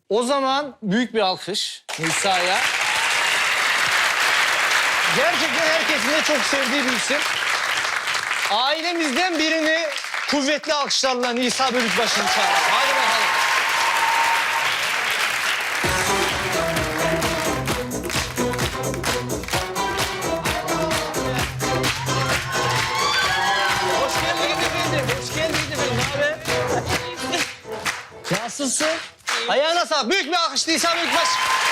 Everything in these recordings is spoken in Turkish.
O zaman büyük bir alkış Nisa'ya. Gerçekten herkesin de çok sevdiği bir isim. Ailemizden birini kuvvetli alkışlarla Nisa Bölükbaşı'nı çağıralım. Hadi bakalım. Hoş geldiniz efendim. Hoş geldiniz efendim. Ne haber? Nasılsın? Ayağına sağlık. Büyük bir alkış Nisa Bölükbaşı.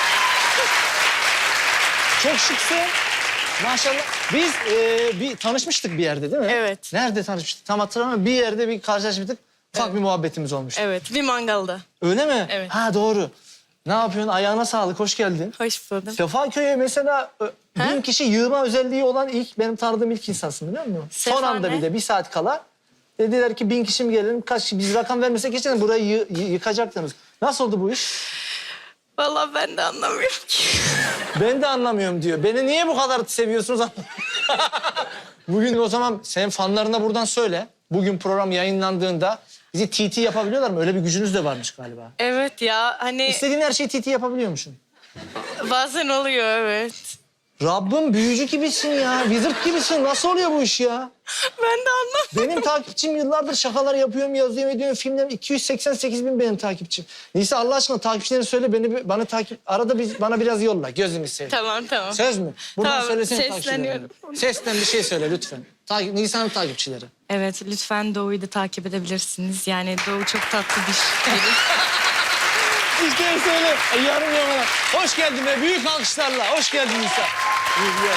Çok şıksın. Maşallah. Biz bir tanışmıştık bir yerde değil mi? Evet. Nerede tanışmıştık tam hatırlamıyorum. Bir yerde bir karşılaşmıştık. Ufak bir muhabbetimiz olmuştu. Evet, bir mangalda. Öyle mi? Evet. Ha doğru. Ne yapıyorsun? Ayağına sağlık. Hoş geldin. Hoş buldum. Sefaköy'e mesela 1000 kişi yığma özelliği olan benim tanıdığım ilk insansın biliyor musun? Son Sefa anda ne? bir de 1 saat kala dediler ki 1000 kişi mi gelelim? Kaç kişi? Biz rakam vermesek geçen burayı yıkacaktınız. Nasıl oldu bu iş? Vallahi ben de anlamıyorum ki. Ben de anlamıyorum diyor. Beni niye bu kadar seviyorsunuz? Bugün o zaman senin fanlarına buradan söyle. Bugün program yayınlandığında bizi TT yapabiliyorlar mı? Öyle bir gücünüz de varmış galiba. Evet ya, hani İstediğin her şeyi TT yapabiliyormuşsun. bazen oluyor, evet. Rabbim büyücü gibisin ya. Wizard gibisin. Nasıl oluyor bu iş ya? Ben de anlamıyorum. Benim takipçim yıllardır şakalar yapıyorum, yazıyorum, ediyorum. Filmlerim 288 bin benim takipçim. Nisa Allah aşkına takipçilerini söyle bana takip... Arada bana biraz yolla. Gözünü seveyim. Tamam. Söz mü? Buradan Tamam, söylesene sesleniyorum. takipçilerine. Sesten bir şey söyle lütfen. Nisa'nın takipçileri. Evet, lütfen Doğu'yu da takip edebilirsiniz. Yani Doğu çok tatlı bir biri. İşte söyle. Yarım yamalak. Hoş geldin be. Büyük alkışlarla. Hoş geldin Nisa. Güzel.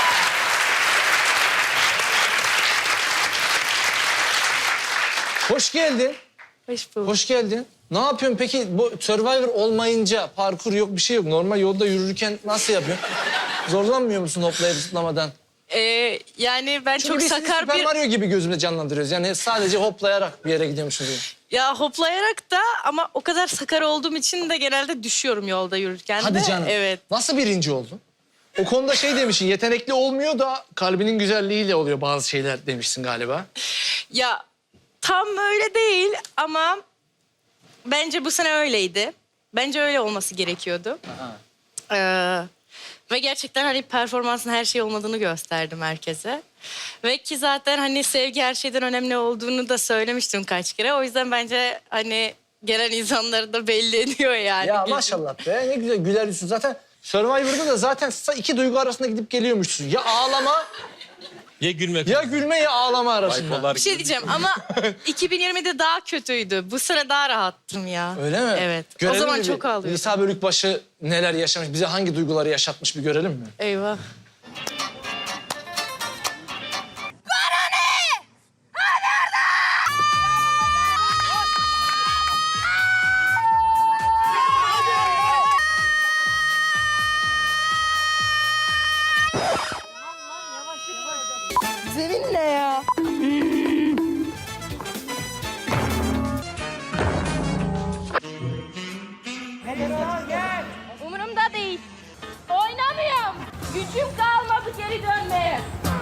Hoş geldin. Hoş bulduk. Hoş geldin. Ne yapıyorsun peki? Bu Survivor olmayınca parkur yok, bir şey yok. Normal yolda yürürken nasıl yapıyorsun? Zorlanmıyor musun hoplayıp zıplamadan? Yani ben Çünkü çok biz sizi sakar Super bir... Mario gibi gözümde canlandırıyoruz. Yani sadece hoplayarak bir yere gidiyormuşuz gibi. Ya hoplayarak da ama o kadar sakar olduğum için de genelde düşüyorum yolda yürürken de. Hadi canım. Evet. Nasıl birinci oldun? O konuda şey demişsin, yetenekli olmuyor da kalbinin güzelliğiyle oluyor bazı şeyler demişsin galiba. Ya tam öyle değil ama bence bu sene öyleydi. Bence öyle olması gerekiyordu. Ve gerçekten hani performansın her şey olmadığını gösterdim herkese. Ve ki zaten hani sevgi her şeyden önemli olduğunu da söylemiştim kaç kere. O yüzden bence hani gelen insanları da belli ediyor yani. Ya maşallah be, ne güzel güler yüzlü. Zaten Survivor'da da zaten iki duygu arasında gidip geliyormuşsun. Ya ağlama, Ya gülmek. ya gülme ya ağlama arasında. Bipolar Bir şey diyeceğim ama 2020'de daha kötüydü. Bu sene daha rahattım ya. Öyle mi? Evet. Görelim o zaman mi bir? çok ağlıyordum. Nisa Bölükbaşı neler yaşamış, bize hangi duyguları yaşatmış bir görelim mi? Eyvah. Zemin ne ya? Umurumda değil. Oynamıyorum. Gücüm kalmadı geri dönmeye.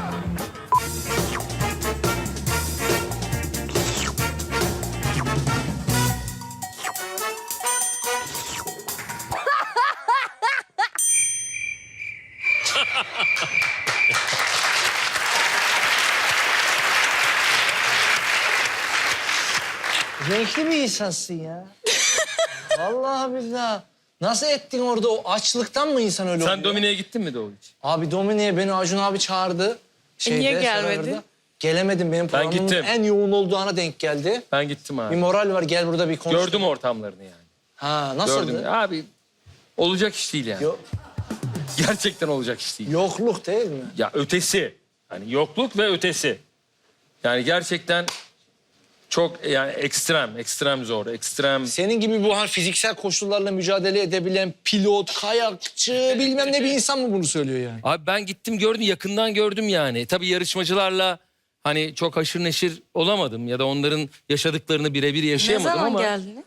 Renkli bir insansın ya. Vallahi billahi. Nasıl ettin orada? O açlıktan mı insan öyle oluyor? Sen Domine'ye gittin mi Doğu hiç? Abi Domine'ye beni Acun abi çağırdı. niye gelmedin? Survivor'da. Gelemedim. Benim programımın gittim. en yoğun olduğu ana denk geldi. Ben gittim Bir abi. moral var, gel burada bir konuş. Gördüm ortamlarını yani. Ha, nasıldı? Gördüm. Abi olacak iş değil yani. Gerçekten olacak iş değil. Yokluk değil mi? Ya ötesi. Hani yokluk ve ötesi. Yani gerçekten çok yani ekstrem zor, ekstrem. Senin gibi bu fiziksel koşullarla mücadele edebilen pilot, kayakçı, bilmem ne bir insan mı bunu söylüyor yani? Abi ben gittim gördüm, yakından gördüm yani. Tabii yarışmacılarla hani çok haşır neşir olamadım ya da onların yaşadıklarını birebir Ne yaşayamadım zaman ama... geldiniz?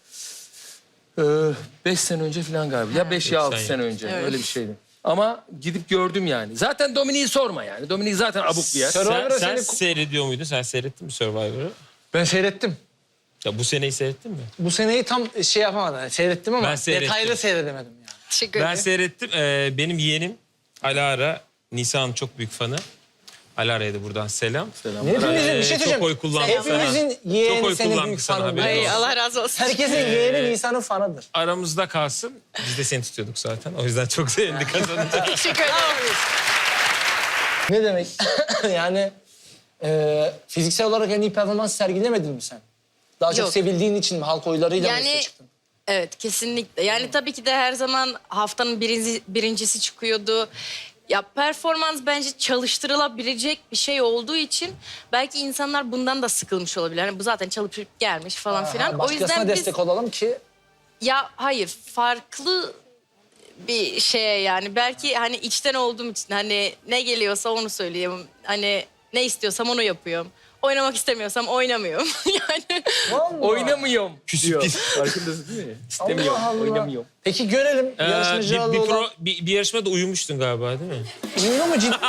5 sene önce falan galiba. Ya 5 ya 6 sene önce. Evet. Öyle bir şeydi. Ama gidip gördüm yani. Zaten Dominik'i sorma yani. Dominik zaten abuk bir yer. Survivor'a Sen seni... seyrediyor muydun? Sen seyrettin mi Survivor'ı? Ben seyrettim. Ya bu seneyi seyrettin mi? Bu seneyi tam şey yapamadım. Yani seyrettim ama Ben seyrettim. detaylı seyredemedim yani. Teşekkür Ben ederim. seyrettim. Benim yeğenim Alara, Nisa'nın çok büyük fanı. Alara'ya da buradan selam. Hepimizin bir şey söyleyeceğim. Çok oy kullandı Hepimizin Çok yeğeni oy senin kullandı büyük sana, fanın. haberin Ay, olsun. Allah razı olsun. Herkesin yeğeni Nisan'ın fanıdır. Aramızda kalsın. Biz de seni tutuyorduk zaten. O yüzden çok sevindik kazanınca. Teşekkür ederim. Ne demek? Yani fiziksel olarak en iyi performans sergilemedin mi sen? Daha çok Yok. sevildiğin için mi? Halk oylarıyla mı üste Yani çıktın? evet, kesinlikle. Yani tabii ki de her zaman haftanın birincisi çıkıyordu. Ya performans bence çalıştırılabilecek bir şey olduğu için belki insanlar bundan da sıkılmış olabilir. Hani bu zaten çalışıp gelmiş falan filan. O Başkasına yüzden biz destek olalım ki ya hayır, farklı bir şeye, yani belki hani içten olduğum için hani ne geliyorsa onu söyleyeyim. Hani ne istiyorsam onu yapıyorum. Oynamak istemiyorsam oynamıyorum. Yani vallahi. Oynamıyorum Küsüp diyor. git. Farkındasın değil mi? İstemiyorum, Allah Allah. oynamıyorum. Peki görelim yarışmacılarla olan... bir yarışmada uyumuştun galiba değil mi? Uyuyor mu ciddi?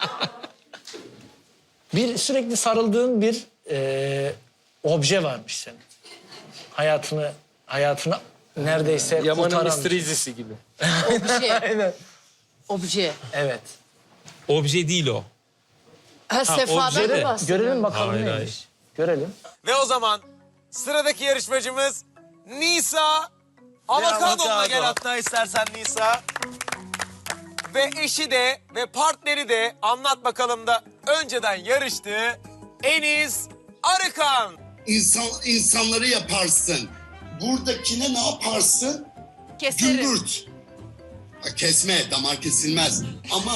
Bir sürekli sarıldığın bir obje varmış senin. Hayatını neredeyse Yaman'ın kurtaran. mistrizisi gibi. obje. Aynen. Obje. Evet. Obje değil o. Ha, Sefa'dan obje de. mı bahsediyorsun? Görelim bakalım Hayır, neymiş. hayır. Görelim. Ve o zaman sıradaki yarışmacımız Nisa Avokado'na gel hatta istersen Nisa. Ve eşi de ve partneri de anlat bakalım da önceden yarıştığı Enis Arıkan. İnsanları yaparsın. Buradakine ne yaparsın? Keserim. Gümbürt. Kesme, damar kesilmez. Ama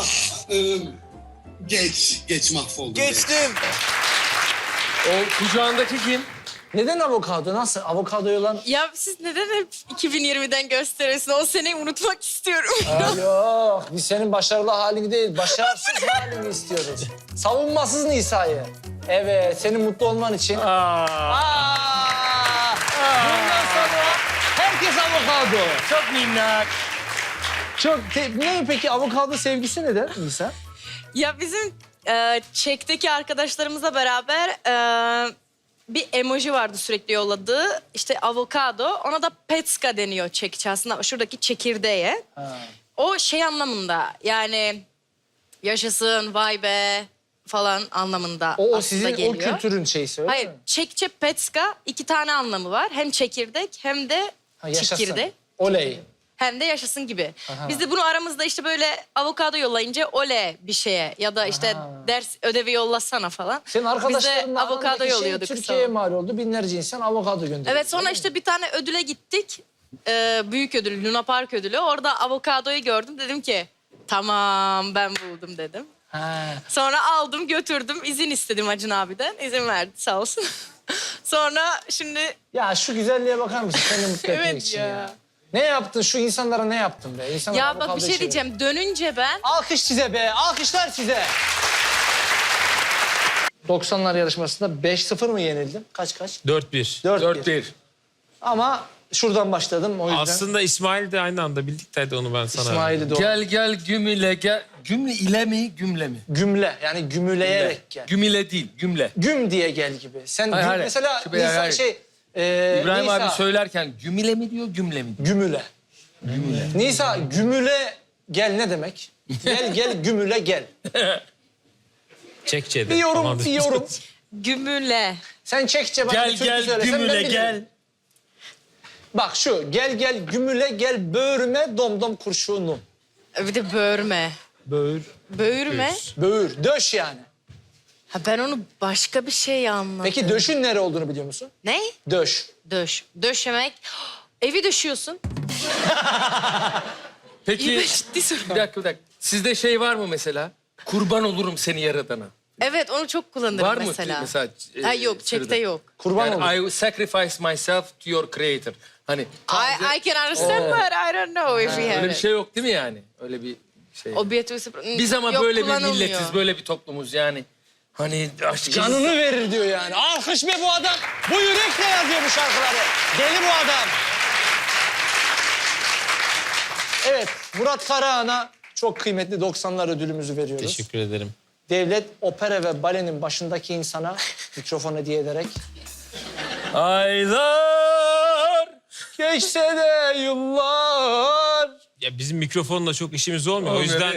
geç mahvoldum. Geçtim. O kucağındaki kim? Neden avokado? Nasıl? Avokadoyu olan... Ya siz neden hep 2020'den gösteriyorsunuz? O seneyi unutmak istiyorum. Yok, biz senin başarılı halini değil, başarısız halini istiyoruz. Savunmasız Nisa'yı. Evet, senin mutlu olman için. Bundan sonra herkes avokado. Çok minnak. Ne peki avokado sevgisi neden Nisa? Ya bizim Çek'teki arkadaşlarımızla beraber bir emoji vardı sürekli yolladığı. İşte avokado. Ona da petska deniyor Çekçe aslında. Şuradaki çekirdeğe. O şey anlamında, yani yaşasın, vay be falan anlamında O aslında sizin geliyor. o kültürün şeysi öyle Hayır, mi? Çekçe petska 2 tane anlamı var. Hem çekirdek hem de Ha, yaşasın. çekirdek. Oley. Hem de yaşasın gibi. Aha. Biz de bunu aramızda işte böyle avokado yollayınca oley bir şeye ya da işte Aha. ders ödevi yollasana falan. Senin Biz arkadaşlarınla de avokado arandaki şey yolluyorduk. Türkiye'ye sonra. mal oldu. Binlerce insan avokado gönderiyor. Evet, sonra işte bir tane ödüle gittik. Büyük ödül, Luna Park ödülü. Orada avokadoyu gördüm. Dedim ki tamam, ben buldum dedim. Ha. Sonra aldım götürdüm. İzin istedim Acun abiden. İzin verdi sağ olsun. Sonra şimdi Ya şu güzelliğe bakar mısın? Seni mutlu etmek Evet için ya. ya. Ne yaptın? Şu insanlara ne yaptın be? İnsanlar ya bak bir avokado şey için- diyeceğim. Dönünce ben Alkış size be. Alkışlar size. 90'lar yarışmasında 5-0 mı yenildim? Kaç? 4-1. 4-1. Ama şuradan başladım o yüzden. Aslında İsmail de aynı anda bildik de onu ben sana. İsmail'i de Gel gümüle gel. Gümle ile mi gümle mi? gümle yani gümüleyerek gel. Gümile değil gümle. Güm diye gel gibi. Sen Hayır, hayır. mesela Şu Nisa, hayır. İbrahim Nisa, abi söylerken gümile mi diyor gümle mi diyor? Gümüle. Nisa gümüle gel ne demek? Gel gümüle gel. Çekçe'de. Bir yorum Tamam. bir yorum. gümüle. Sen Çekçe bana bir Gel türkü gel söylesen ben gümüle bilirim. gel. Bak şu gel gümüle gel böğrüme domdom kurşunum. Bir de böğürme. Böğür. Böğürme. Böğür, döş yani. Ha, ben onu başka bir şey anladım. Peki döşün nere olduğunu biliyor musun? Ne? Döş. Döş. Döşemek. Evi döşüyorsun. Peki İyi, ciddi soru. bir dakika. Sizde şey var mı mesela? Kurban olurum seni yaradana. Evet, onu çok kullanırım Var mı mesela. mesela? Ha, yok, Sırada? Çek'te yok. Kurban Yani olur. I sacrifice myself to your creator. Hani I can understand but I don't know if we have öyle bir it. şey yok değil mi yani? Öyle bir şey. Biz Biz ama böyle bir milletiz, böyle bir toplumuz yani. Hani aşkı... Canını verir diyor yani. Alkış be bu adam. Bu yürekle yazıyor bu şarkıları. Deli bu adam. Evet, Murat Karahan'a çok kıymetli 90'lar ödülümüzü veriyoruz. Teşekkür ederim. Devlet opera ve balenin başındaki insana mikrofon hediye ederek Aylar. Geçse de yıllar. Ya bizim mikrofonla çok işimiz olmuyor. O yüzden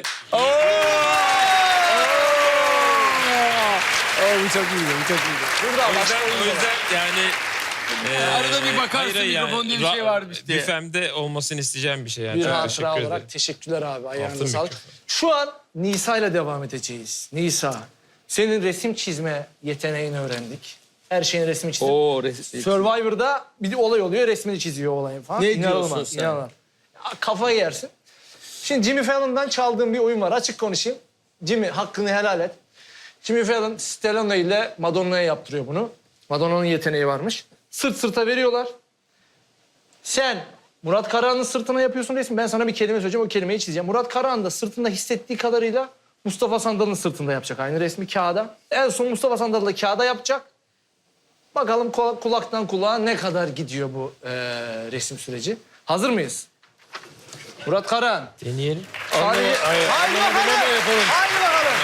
Bu çok iyiydi, bu çok iyiydi. Burada başka o yüzden yani Arada bir bakarsın, hayır, mikrofon diye bir şey varmış diye. Büfemde olmasını isteyeceğim bir şey yani. bir Çok hatıra teşekkür olarak ederim. teşekkürler abi. Ayağınıza Altın sağlık. mikrofon. Şu an Nisa ile devam edeceğiz. Nisa, senin resim çizme yeteneğini öğrendik. Her şeyin resmi çizim. Oo, Survivor'da bir olay oluyor, resmini çiziyor olayın falan. Ne İnanılmaz, diyorsun sen? inanılmaz. Ya, kafayı yersin. Şimdi Jimmy Fallon'dan çaldığım bir oyun var. Açık konuşayım. Jimmy, hakkını helal et. Jimmy Fallon, Stallone ile Madonna'ya yaptırıyor bunu. Madonna'nın yeteneği varmış. Sırt sırta veriyorlar. Sen Murat Karahan'ın sırtına yapıyorsun resmi. Ben sana bir kelime söyleyeceğim, o kelimeyi çizeceğim. Murat Karahan da sırtında hissettiği kadarıyla Mustafa Sandal'ın sırtında yapacak aynı resmi kağıda. En son Mustafa Sandal da kağıda yapacak. Bakalım kulaktan kulağa ne kadar gidiyor bu resim süreci. Hazır mıyız? Murat Karahan. Deneyelim. Haydi bakalım. Haydi bakalım.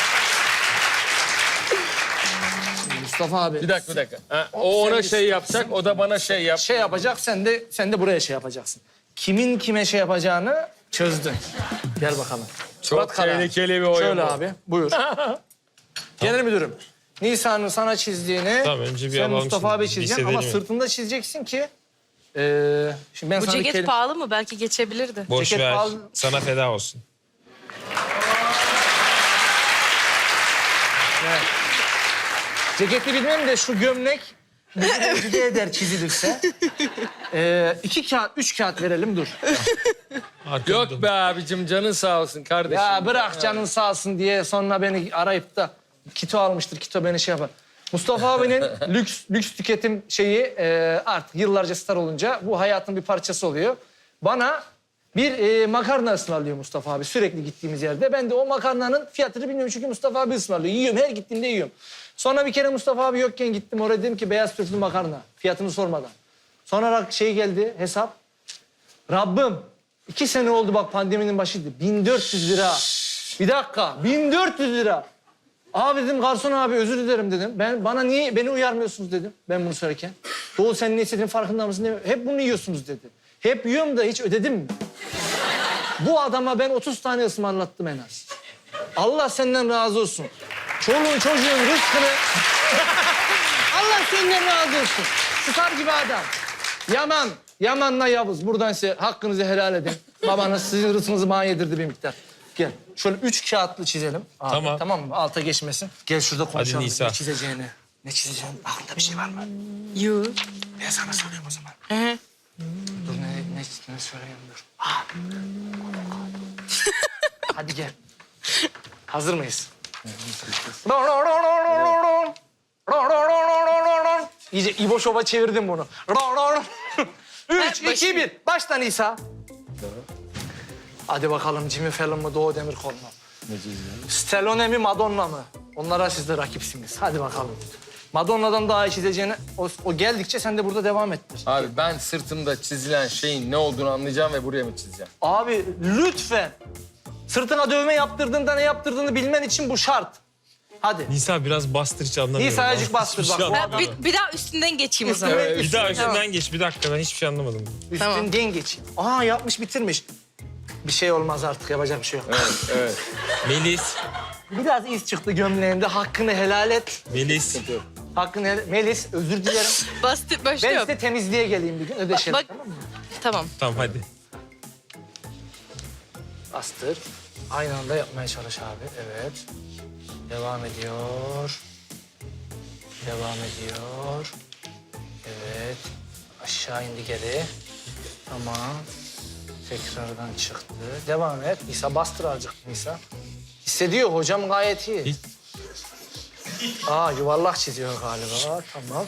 Mustafa abi. Bir dakika. Ha, o ona şey yapacak, o da bana şey yap. Şey yapacak, sen de buraya şey yapacaksın. Kimin kime şey yapacağını çözdün. Gel bakalım. Çok Murat Karahan. tehlikeli bir oyun Şöyle bu. abi, buyur. Genel müdürüm, Nisa'nın sana çizdiğini Tamam, önce bir sen alalım Mustafa şimdi. abi çizeceksin Lisedelim ama mi? sırtında çizeceksin ki... şimdi ben Bu sana bir ceket pahalı mı? Belki geçebilirdi. Boş Ceket ver. pahalı. Sana feda olsun. Ceketi bilmem de şu gömlek bir eder çizilirse. 2 kağıt, 3 kağıt verelim dur. Arkamda. Yok be abicim, canın sağ olsun kardeşim. Ya bırak canın sağ olsun diye sonra beni arayıp da kito almıştır, kito beni şey yapar. Mustafa abinin lüks tüketim şeyi artık yıllarca star olunca bu hayatın bir parçası oluyor. Bana bir makarna ısmarlıyor Mustafa abi sürekli gittiğimiz yerde. Ben de o makarnanın fiyatını bilmiyorum çünkü Mustafa abi ısmarlıyor. Yiyorum, her gittiğimde yiyorum. Sonra bir kere Mustafa abi yokken gittim oraya, dedim ki beyaz türlü makarna. Fiyatını sormadan. Sonra şey geldi, hesap. Rabbim 2 sene oldu bak, pandeminin başıydı. 1400 lira. Bir dakika, 1400 lira. Abi dedim, garson abi özür dilerim dedim. Bana niye beni uyarmıyorsunuz dedim ben bunu söylerken. Doğu sen ne istediğin farkında mısın? Dedim. Hep bunu yiyorsunuz dedi. Hep yiyorum da hiç ödedim mi? Bu adama ben 30 tane ısmarlattım en az. Allah senden razı olsun. Çoluğun çocuğun rızkını... Allah senden razı olsun. Star gibi adam. Yaman'la Yavuz. Buradan size hakkınızı helal edin. Babanız sizin rızkınızı bana yedirdi bir miktar. Gel. Şöyle 3 kağıtlı çizelim. Abi, Tamam. Tamam mı? Alta geçmesin. Gel şurada konuşalım. Nisa. Ne çizeceğini. Ne çizeceğini. Aklında bir şey var mı? Yuh. Ben sana söyleyeyim o zaman. Hı. Dur ne söyleyeyim dur. Hadi gel. Hazır mıyız? İyice İbo Şov'a çevirdim bunu. 3, 2, 1. Başla Nisa. Hadi bakalım, Jimmy Fallon mı, Doğu Demirkol mu? Stallone mi, Madonna mı? Onlara siz de rakipsiniz. Hadi bakalım. Madonna'dan daha iyi çizeceğini o geldikçe sen de burada devam ettir. Abi ben sırtımda çizilen şeyin ne olduğunu anlayacağım ve buraya mı çizeceğim? Abi lütfen. Sırtına dövme yaptırdığında ne yaptırdığını bilmen için bu şart. Hadi. Nisa biraz bastır, hiç anlamıyorum. Nisa azıcık bastır Hiçbir bak. şey Bu anlamadım. Bir daha üstünden geçeyim o zaman. Üstünden, Bir daha üstünden. üstünden geç. Bir dakika, ben hiçbir şey anlamadım. Üstünden geç. Aa, yapmış bitirmiş. Bir şey olmaz artık, yapacak bir şey yok. Evet. Melis. Biraz iz çıktı gömleğimde, hakkını helal et. Melis. Hakkını helal... Melis, özür dilerim. Bastır Ben başlıyorum. size temizliğe geleyim bir gün, ödeşelim, Bak- tamam mı? Tamam. Tamam hadi. Bastır. Aynı anda yapmaya çalış abi, evet. Devam ediyor. Devam ediyor. Evet. Aşağı indi geri. Tamam. Tekrardan çıktı. Devam et. Nisa bastır azıcık Nisa. Hissediyor hocam, gayet iyi. Hiç- Aa, yuvarlak çiziyor galiba. Tamam.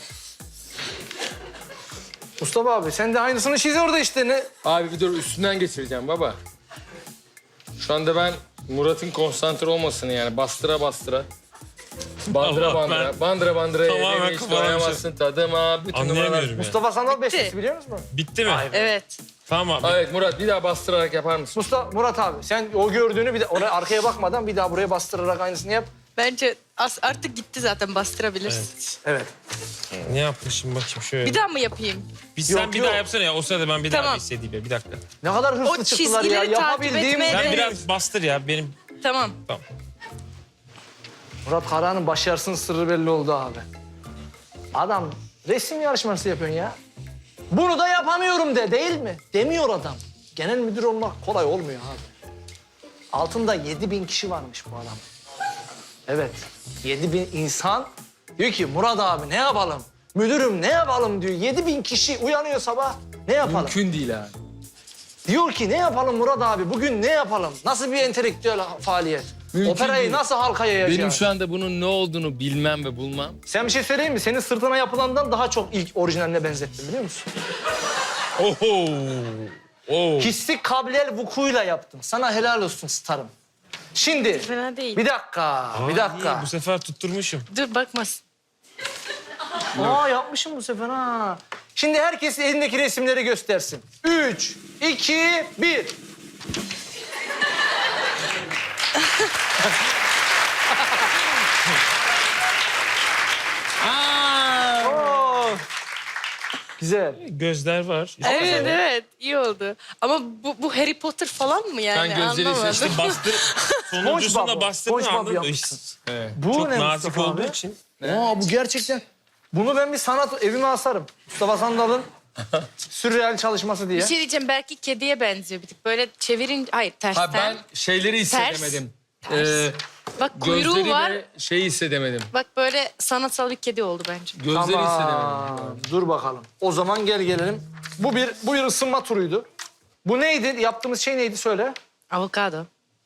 Mustafa abi sen de aynısını çiz orada işte. Ne? Abi bir dur, üstünden geçireceğim baba. Şu anda ben Murat'ın konsantre olmasını yani bastıra bastıra. Bandıra Allah, bandıra, ben bandıra bandıra. tamamen Elini hiç kafama doyamazsın tadıma. Bütün Anlayamıyorum ya. Mustafa Sandal bestesi biliyor musun? Bitti mi? Evet. Tamam abi. Evet Murat, bir daha bastırarak yapar mısın? Murat abi sen o gördüğünü bir de oraya arkaya bakmadan bir daha buraya bastırarak aynısını yap. Bence artık gitti zaten, bastırabilirsin. Evet. Ne yapmışım bakayım şöyle. Bir daha mı yapayım? Sen Yok, bir yok. daha yapsana ya. O sırada ben bir daha Tamam. bir hissedeyim ya. Bir dakika. Ne kadar hırslı O çıktılar ya. çizgileri takip Yapabildiğim... etmeye- Sen Evet. biraz bastır ya. Benim Tamam. tamam. Murat Karahan'ın başarısının sırrı belli oldu abi. Adam resim yarışması yapıyorsun ya. Bunu da yapamıyorum de, değil mi? Demiyor adam. Genel müdür olmak kolay olmuyor abi. Altında 7.000 kişi varmış bu adam. Evet, 7.000 insan diyor ki Murat abi ne yapalım? Müdürüm ne yapalım diyor. 7.000 kişi uyanıyor sabah. Ne yapalım? Mümkün değil abi. Diyor ki ne yapalım Murat abi? Bugün ne yapalım? Nasıl bir entelektüel faaliyet? Mümkün Operayı değil. nasıl halkaya yayacağız? Benim şu anda bunun ne olduğunu bilmem ve bulmam. Sen bir şey söyleyeyim mi? Senin sırtına yapılandan daha çok ilk orijinaline benzettim biliyor musun? Oho. Oo. Hissi kablel vukuyla yaptım. Sana helal olsun starım. Şimdi Fena değil. bir dakika, bir İyi, dakika. bu sefer tutturmuşum. Dur bakmasın. Yapmışım bu sefer ha. Şimdi herkes elindeki resimleri göstersin. 3, 2, 1. Oo. Güzel. Gözler var. Evet evet, iyi oldu. Ama bu Harry Potter falan mı yani? Ben gözleri Anlamadım. seçtim. Bastır. Sonuncusunda SpongeBob. bastırdın SpongeBob anladın mı? yapmışsın. Evet. Bu Çok ne nazik Mustafa olduğu abi? için. Bu gerçekten. Bunu ben bir sanat evime asarım. Mustafa Sandal'ın sürreal çalışması diye. Bir şey diyeceğim, belki kediye benziyor bir tık. Böyle çevirin... Hayır, tersten. Ha ben şeyleri hissedemedim. Ters. Bak kuyruğu Gözleri var. ve şeyi hissedemedim. Bak böyle sanatsal bir kedi oldu bence. Gözleri hissedemedim. Tamam. Dur bakalım. O zaman gelelim. Bu bir ısınma turuydu. Bu neydi? Yaptığımız şey neydi söyle. Avokado.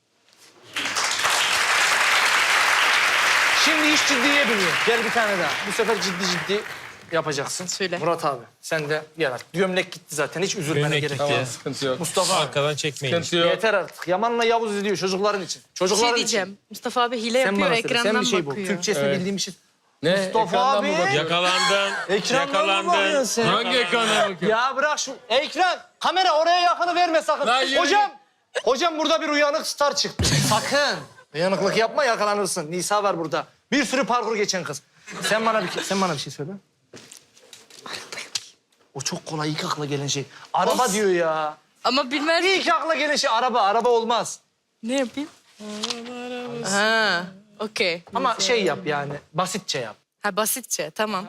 Şimdi iş ciddiye biniyor. Gel bir tane daha. Bu sefer ciddi yapacaksın. Söyle. Murat abi sen de gel artık. Gömlek gitti zaten. Hiç üzülmene Gömlek gerek gitti. yok. Tamam sıkıntı yok. Mustafa abi. Arkadan çekmeyin. Sıkıntı yok. Yeter artık. Yaman'la Yavuz izliyor çocukların için. Bir Çocukların şey diyeceğim. Mustafa abi hile için. Sen yapıyor, bana söyle. Sen ekrandan bir şey bul. bakıyor. Türkçesini Evet. bildiğim bir şey. Ne? Mustafa Ekrandan abi. mı bakıyorsun? Yakalandın. Ekrandan mı bakıyorsun sen? Hangi ekrana bakıyorsun? Ya bırak şu ekran. Kamera oraya yakını verme sakın. Lan yürü. Hocam burada bir uyanık star çıktı. Sakın. Uyanıklık yapma yakalanırsın. Nisa var burada. Bir sürü parkur geçen kız. Sen bana bir şey söyle. O çok kolay ilk akla gelen şey. Araba Of. diyor ya. Ama bilmez. İlk akla gelen şey araba. Araba olmaz. Ne yapayım? Ha, okey. Ama şey yap yani. Basitçe yap. Ha, basitçe, tamam.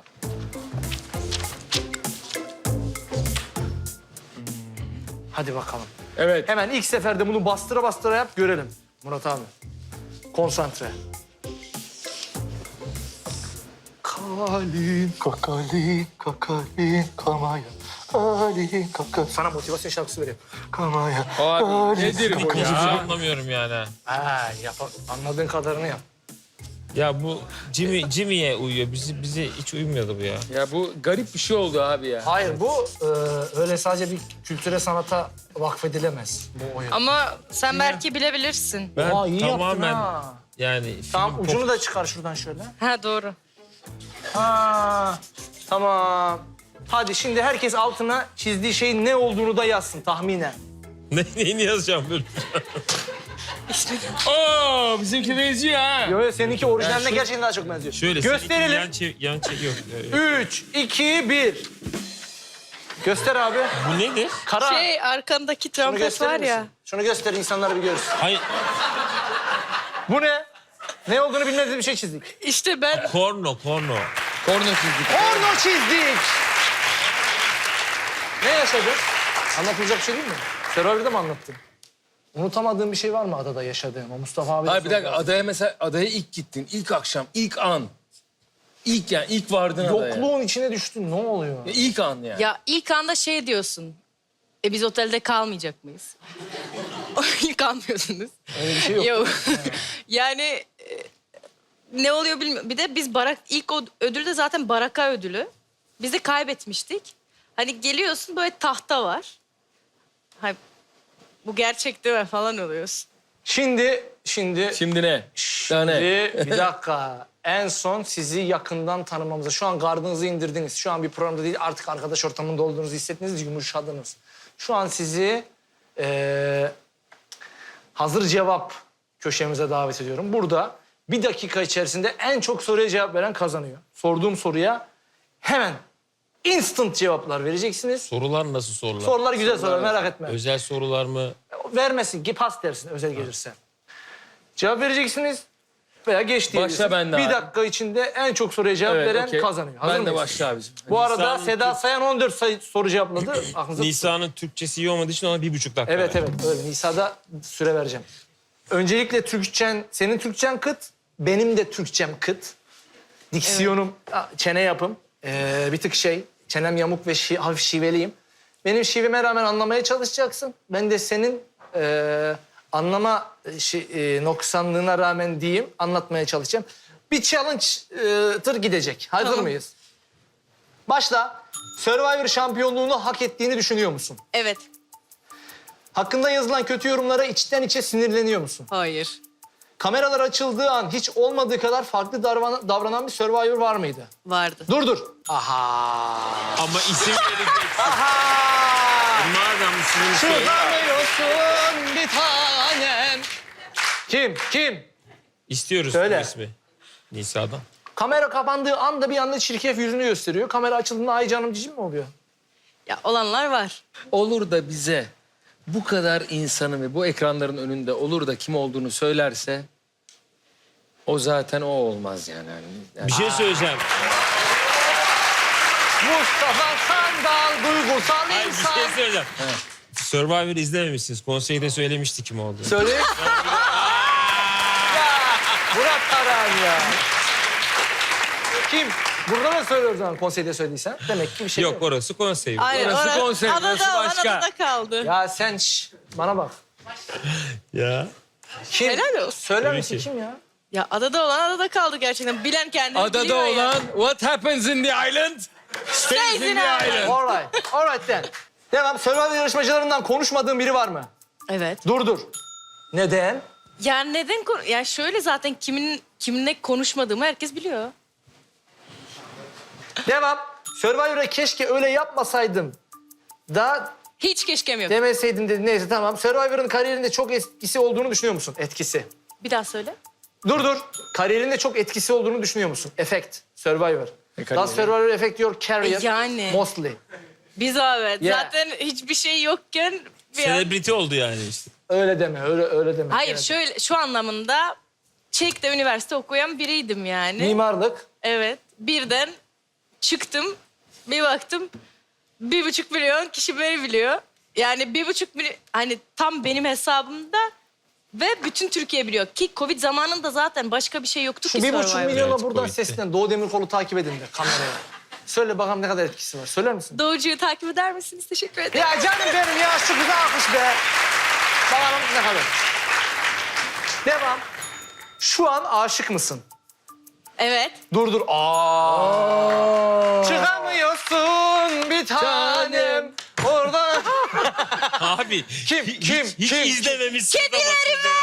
Hadi bakalım. Evet. Hemen ilk seferde bunu bastıra bastıra yap görelim. Murat abi. Konsantre. Kalin kakalin kakalin kamaya. Kalin kakal. Sana motivasyon şarkısı vereyim. Kamaya. Abi nedir bu Hiçbir şey ya? anlamıyorum yani. ha. Ha, anladığın kadarını yap. Ya bu Jimmy'ye uyuyor. Bize hiç uymuyordu bu ya. Ya bu garip bir şey oldu abi ya. Hayır bu öyle sadece bir kültüre sanata vakfedilemez bu oyun. Ama sen belki bilebilirsin. Ben Aa, iyi yaptın tamamen ha. yani Tamam film ucunu da çıkar şuradan şöyle. Ha, doğru. Ha, tamam. Hadi şimdi herkes altına çizdiği şeyin ne olduğunu da yazsın tahminen. Neyini yazacağım böyle? Oo bizimki benziyor ha. Yo, seninki orijinaline gerçekten daha çok benziyor. Şöyle Gösterelim. yan yok. 3, 2, 1. Göster abi. Bu nedir? Kara. Arkandaki Şunu trompet gösterir var ya. misin? Şunu göster insanlar bir görsün. Hayır, Bu ne? Ne olduğunu bilmediğimiz bir şey çizdik. İşte ben... korno. Korna çizdik. Porno çizdik. Ne yaşadın? Anlatılacak bir şey değil mi? Survivor'da mı anlattın? Unutamadığın bir şey var mı adada yaşadığın? O Mustafa abi. Hayır bir dakika adaya ilk gittin. İlk akşam, ilk an. İlk vardın adaya. Yokluğun içine düştün. Ne oluyor? Ya ilk an yani. Ya ilk anda şey diyorsun. Biz otelde kalmayacak mıyız? Kalmıyorsunuz. Öyle bir şey yok. Yok. Yani ne oluyor bilmiyorum. Bir de biz ilk ödül de zaten baraka ödülü. Biz de kaybetmiştik. Hani geliyorsun böyle tahta var. Hay, bu gerçek değil mi falan oluyorsun. Şimdi Şimdi ne? Daha ne? bir dakika. En son sizi yakından tanımamıza. Şu an gardınızı indirdiniz. Şu an bir programda değil artık arkadaş ortamında olduğunuzu hissettiniz, yumuşadınız. Şu an sizi hazır cevap köşemize davet ediyorum. Burada bir dakika içerisinde en çok soruya cevap veren kazanıyor. Sorduğum soruya hemen instant cevaplar vereceksiniz. Sorular nasıl sorular? Sorular güzel sorular, merak etme. Özel sorular mı? Vermesin ki pas dersin özel gelirse. Cevap vereceksiniz veya geç diyebilirsiniz. Başla ben de Bir abi. dakika içinde en çok soruya cevap veren okey. kazanıyor. Hazır Ben de mıyız? başla abicim. Bu arada Nisa'nın Seda Sayan 14 soru cevapladı. Aklınızda tutun. Nisa'nın Türkçesi iyi olmadığı için ona 1,5 dakika Evet verdim. evet öyle. Nisa'da süre vereceğim. Öncelikle Türkçen, senin Türkçen kıt, benim de Türkçem kıt. Diksiyonum, çene yapım bir tık çenem yamuk ve hafif şiveliyim. Benim şiveme rağmen anlamaya çalışacaksın. Ben de senin anlama noksanlığına rağmen diyeyim, anlatmaya çalışacağım. Bir challenge tır gidecek. Hazır Tamam. mıyız? Başla. Survivor şampiyonluğunu hak ettiğini düşünüyor musun? Evet. Hakkında yazılan kötü yorumlara içten içe sinirleniyor musun? Hayır. Kameralar açıldığı an hiç olmadığı kadar farklı davranan bir Survivor var mıydı? Vardı. Dur. Aha. Ama isim vereceksin. Aha. Madem ismini söyle. Çıkamıyorsun bir tanem. Kim? İstiyoruz Söyle. bu ismi. Nisa'dan. Kamera kapandığı anda bir anda çirkef yüzünü gösteriyor. Kamera açıldığında ay canım cicim mi oluyor? Ya olanlar var. Olur da bize bu kadar insanı ve bu ekranların önünde olur da kim olduğunu söylerse o zaten o olmaz yani. Yani Bir şey söyleyeceğim. Mustafa Sandal duygusal Hayır bir insan. şey söyleyeceğim. Survivor'ı izlememişsiniz. Konseyde söylemişti kim olduğunu. Söyle. Ya Murat Karan ya. Kim? Burada mı söylüyoruz zaman konseyde söylediysen? Demek ki bir şey yok. Yok orası konsey. Aynen. Orası konsept, adada orası olan başka. adada kaldı. Ya sen bana bak. Ya. Kim? Helal olsun. Söyler Tabii misin ki. kim ya? Ya adada olan adada kaldı gerçekten. Bilen kendini adada biliyor ya. olan what happens in the island stays in the island. Alright then. Devam. Survivor yarışmacılarından konuşmadığın biri var mı? Evet. Dur. Neden? Ya neden ya şöyle zaten kiminle konuşmadığımı herkes biliyor. Devam. Survivor'a keşke öyle yapmasaydım da Hiç keşkem yok. demeseydin dedi. Neyse tamam. Survivor'ın kariyerinde çok etkisi olduğunu düşünüyor musun? Etkisi. Bir daha söyle. Dur. Kariyerinde çok etkisi olduğunu düşünüyor musun? Effect. Survivor. kariyeri? Does Survivor affect your career? Yani. Mostly. Biz abi Yeah. zaten hiçbir şey yokken bir an... Selebriti oldu yani işte. Öyle deme. Öyle deme. Hayır Evet. şöyle şu anlamında Çek'te üniversite okuyan biriydim yani. Mimarlık. Evet. Birden çıktım. Bir baktım 1,5 milyon kişi beni biliyor. Yani 1,5 milyon hani tam benim hesabımda ve bütün Türkiye biliyor. Ki Covid zamanında zaten başka bir şey yoktu Şu ki 1,5 Survivor'da. milyona Evet, buradan Covid'de. seslen. Doğu Demirkol'u takip edin de kameraya. Söyle bakalım ne kadar etkisi var. Söyler misin? Doğucu'yu takip eder misiniz? Teşekkür ederim. Ya canım benim ya şu kıza alkış be. Bakalım ne kadar. Devam. Şu an aşık mısın? Evet. Dur. Çıkamıyorsun bir tanem. Orada. Abi. Kim? Hiç izlememişsin. Kedilerime!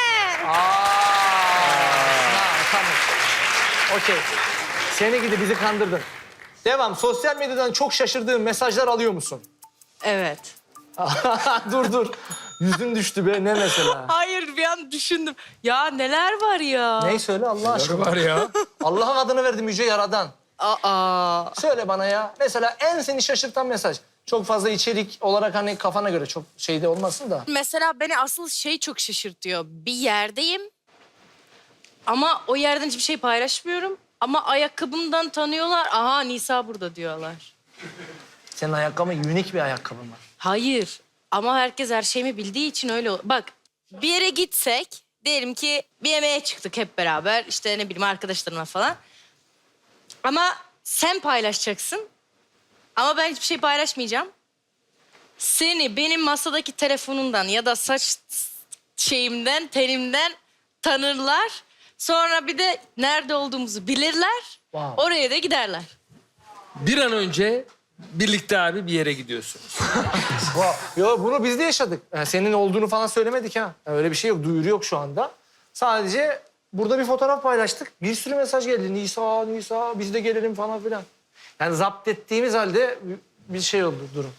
Tamam. Okey. Seni gidi bizi kandırdın. Devam. Sosyal medyadan çok şaşırdığın mesajlar alıyor musun? Evet. dur. Yüzün düştü be. Ne mesela? Hayır bir an düşündüm. Ya neler var ya? Neyi söyle Allah aşkına. Var ya. Allah'ın adını verdim Yüce Yaradan. Aa. Söyle bana ya. Mesela en seni şaşırtan mesaj. Çok fazla içerik olarak hani kafana göre çok şeyde olmasın da. Mesela beni asıl şey çok şaşırtıyor. Bir yerdeyim ama o yerden hiçbir şey paylaşmıyorum. Ama ayakkabımdan tanıyorlar. Aha Nisa burada diyorlar. Senin ayakkabın unik bir ayakkabı mı? Hayır ama herkes her şeyimi bildiği için öyle. Bak bir yere gitsek diyelim ki bir yemeğe çıktık hep beraber. İşte ne bileyim arkadaşlarımla falan. Ama sen paylaşacaksın. Ama ben hiçbir şey paylaşmayacağım. Seni benim masadaki telefonundan ya da saç şeyimden, tenimden tanırlar. Sonra bir de nerede olduğumuzu bilirler. Wow. Oraya da giderler. Bir an önce birlikte abi bir yere gidiyorsunuz. Yo bunu biz de yaşadık. Yani senin olduğunu falan söylemedik ha. Yani öyle bir şey yok, duyuru yok şu anda. Sadece burada bir fotoğraf paylaştık. Bir sürü mesaj geldi. Nisa biz de gelelim falan filan. Yani zapt ettiğimiz halde bir şey oldu durum.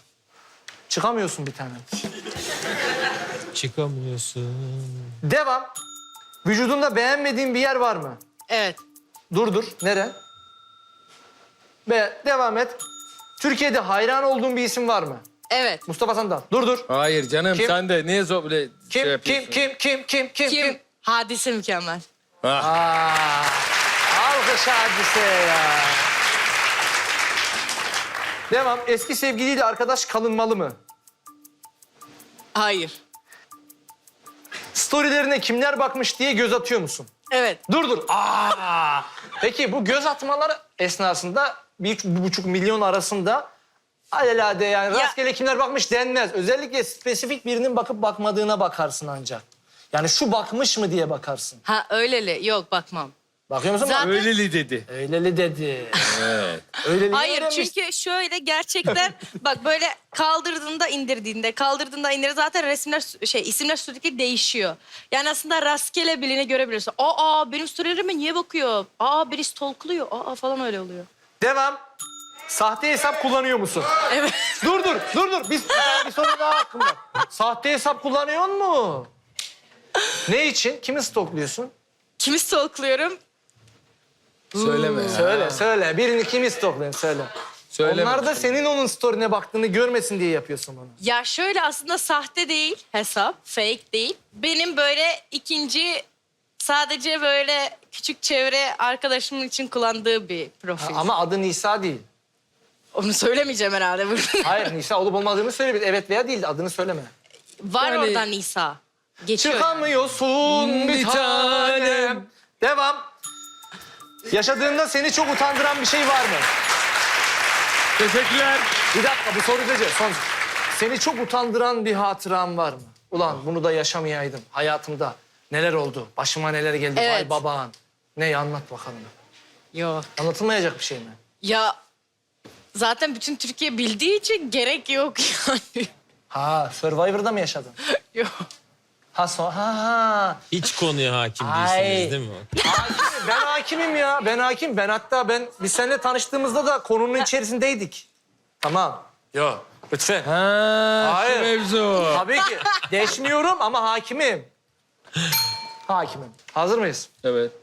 Çıkamıyorsun bir tane. Çıkamıyorsun. Devam. Vücudunda beğenmediğin bir yer var mı? Evet. Dur. Nere? Devam et. Türkiye'de hayran olduğun bir isim var mı? Evet. Mustafa Sandal. Dur. Hayır canım Kim? sen de niye böyle şey yapıyorsun? Kim? Hadise mükemmel. Aa, alkış hadiseye ya. Devam. Eski sevgiliyle arkadaş kalınmalı mı? Hayır. Storylerine kimler bakmış diye göz atıyor musun? Evet. Dur. Peki bu göz atmalar esnasında 1,5 milyon arasında alelade yani Ya- rastgele kimler bakmış denmez. Özellikle spesifik birinin bakıp bakmadığına bakarsın ancak. Yani şu bakmış mı diye bakarsın. Ha öyleli. Yok bakmam. Bakıyor musun? Zaten- Öyleli dedi. Öyleli dedi. Evet. Öyleli Hayır öğrenmiş. çünkü şöyle gerçekten bak böyle kaldırdığında indirdiğinde zaten isimler sürekli değişiyor. Yani aslında rastgele birini görebilirsin. Benim storylerime niye bakıyor? Biri stalkluyor. Falan öyle oluyor. Devam. Sahte hesap kullanıyor musun? Evet. Dur. Bir soru daha hakkım var. Sahte hesap kullanıyor mu? Ne için? Kimi stalkluyorsun? Kimi stalkluyorum? Söyleme ya. Söyle. Birini kimi stalkluyorsun? Söyle. Söyleme. Onlar da senin onun story'ine baktığını görmesin diye yapıyorsun bunu. Ya şöyle aslında sahte değil hesap, fake değil. Benim böyle ikinci sadece böyle küçük çevre arkadaşımın için kullandığı bir profil. Ama adı Nisa değil. Onu söylemeyeceğim herhalde burada. Hayır Nisa olup olmadığını söyle. Evet veya değil adını söyleme. Var Yani- oradan Nisa. Geçiyor. yani. Çıkamıyorsun bir Bir tanem. tanem. Devam. Yaşadığında seni çok utandıran bir şey var mı? Teşekkürler. Bir dakika bu soru gece. Son. Seni çok utandıran bir hatıran var mı? Ulan bunu da yaşamayaydım hayatımda. Neler oldu? Başıma neler geldi? Vay Evet. babaan. Ne anlat bakalım. Yok. Anlatılmayacak bir şey mi? Ya zaten bütün Türkiye bildiği için gerek yok yani. Ha Survivor'da mı yaşadın? Yok. Ha. Hiç konuya hakim Ay. değilsiniz değil mi? Ben hakimim ya. Ben hakim. Biz seninle tanıştığımızda da konunun içerisindeydik. Tamam. Yok. Lütfen. Hayır. Hayır. Mevzu. Tabii ki. Deşmiyorum ama hakimim. Hakimim. Hazır mıyız? Evet.